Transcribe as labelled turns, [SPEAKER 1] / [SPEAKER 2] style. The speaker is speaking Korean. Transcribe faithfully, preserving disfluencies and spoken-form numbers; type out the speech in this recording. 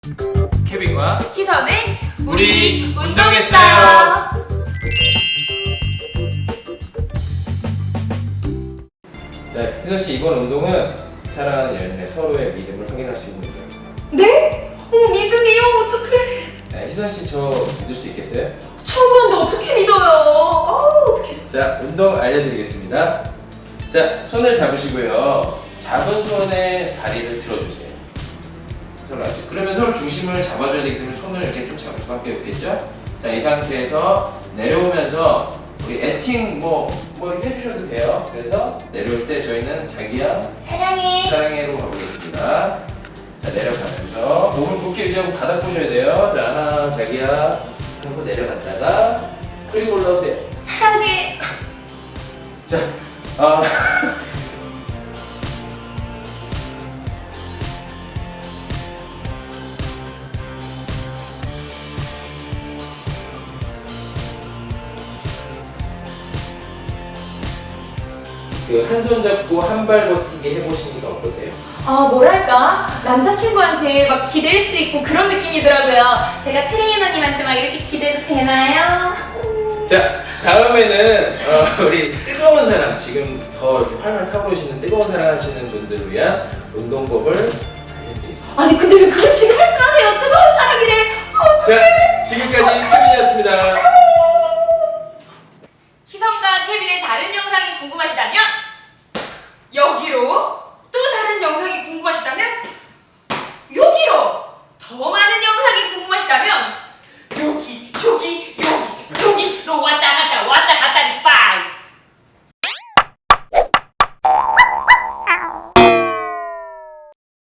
[SPEAKER 1] 케빈과
[SPEAKER 2] 희선의
[SPEAKER 1] 우리 운동했어요.
[SPEAKER 3] 자, 희선씨, 이번 운동은 사랑하는 연인의 서로의 믿음을 확인할 수 있는 운동이에요.
[SPEAKER 2] 네? 어, 믿음이요? 어떡해.
[SPEAKER 3] 자, 희선씨, 저 믿을 수 있겠어요?
[SPEAKER 2] 처음 봤는데 어떻게 믿어요? 아, 어떡해.
[SPEAKER 3] 자, 운동 알려드리겠습니다. 자, 손을 잡으시고요. 잡은 손에 다리를 들어주세요. 서로 같이. 그러면 서로 중심을 잡아줘야 되기 때문에 손을 이렇게 좀 잡을 수밖에 없겠죠? 자, 이 상태에서 내려오면서 우리 애칭 뭐, 뭐 이렇게 해주셔도 돼요. 그래서 내려올 때 저희는 자기야,
[SPEAKER 2] 사랑해.
[SPEAKER 3] 사랑해로 가보겠습니다. 자, 내려가면서 몸을 굳게 유지하고 바닥 보셔야 돼요. 자, 하나, 자기야 하고 내려갔다가 그리고 올라오세요.
[SPEAKER 2] 사랑해.
[SPEAKER 3] 자, 아 그 한 손 잡고 한 발 버티기 해보시니까 어떠세요?
[SPEAKER 2] 아, 뭐랄까? 남자친구한테 막 기댈 수 있고 그런 느낌이더라고요. 제가 트레이너님한테 막 이렇게 기대도 되나요?
[SPEAKER 3] 자, 다음에는 어, 우리 뜨거운 사랑, 지금 더 이렇게 활활 타오르시는 뜨거운 사랑 하시는 분들을 위한 운동법을